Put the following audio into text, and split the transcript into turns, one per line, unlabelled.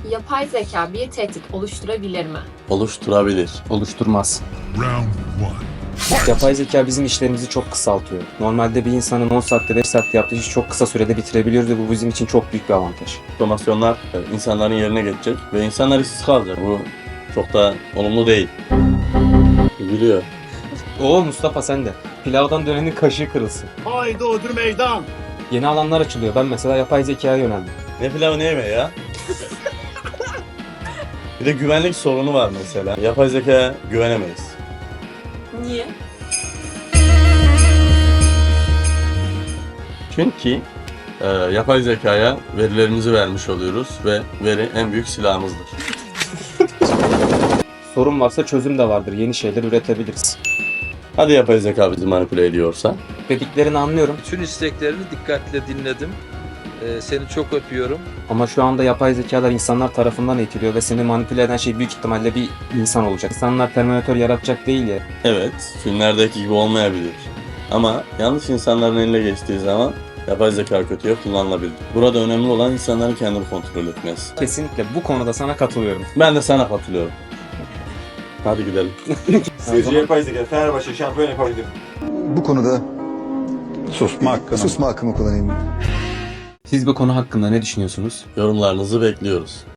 Yapay zeka bir tehdit oluşturabilir mi?
Oluşturabilir.
Oluşturmaz.
Round 1.
Yapay zeka bizim işlerimizi çok kısaltıyor. Normalde bir insanın 10 saatte 5 saatte yaptığı işi çok kısa sürede bitirebiliyoruz ve bu bizim için çok büyük bir avantaj.
Otomasyonlar insanların yerine geçecek ve insanlar işsiz kalacak. Bu çok da olumlu değil. Biliyor.
Oo Mustafa sen de. Pilavdan dönenin kaşığı kırılsın.
Haydi ödür meydan.
Yeni alanlar açılıyor. Ben mesela yapay zekaya yöneldim.
Ne pilavı ne yemeği ya? Bir de güvenlik sorunu var mesela. Yapay zekaya güvenemeyiz.
Niye?
Çünkü yapay zekaya verilerimizi vermiş oluyoruz ve veri en büyük silahımızdır.
Sorun varsa çözüm de vardır. Yeni şeyler üretebiliriz.
Hadi yapay zeka bizi manipüle ediyorsa?
Dediklerini anlıyorum
Bütün isteklerini dikkatle dinledim. Seni çok öpüyorum.
ama şu anda yapay zekalar insanlar tarafından eğitiliyor ve seni manipüle eden şey büyük ihtimalle bir insan olacak. İnsanlar Terminator yaratacak değil ya.
Evet, filmlerdeki gibi olmayabilir. Ama yanlış insanların eline geçtiği zaman yapay zeka kötüye kullanılabilir. Burada önemli olan insanların kendini kontrol etmesi.
Kesinlikle bu konuda sana katılıyorum.
Ben de sana katılıyorum. Hadi gidelim.
Sizce yapay zeka Fenerbahçe şampiyon yapabilir mi?
Bu konuda
Susma hakkını
susma hakkımı kullanayım.
Siz bu konu hakkında ne düşünüyorsunuz?
Yorumlarınızı bekliyoruz.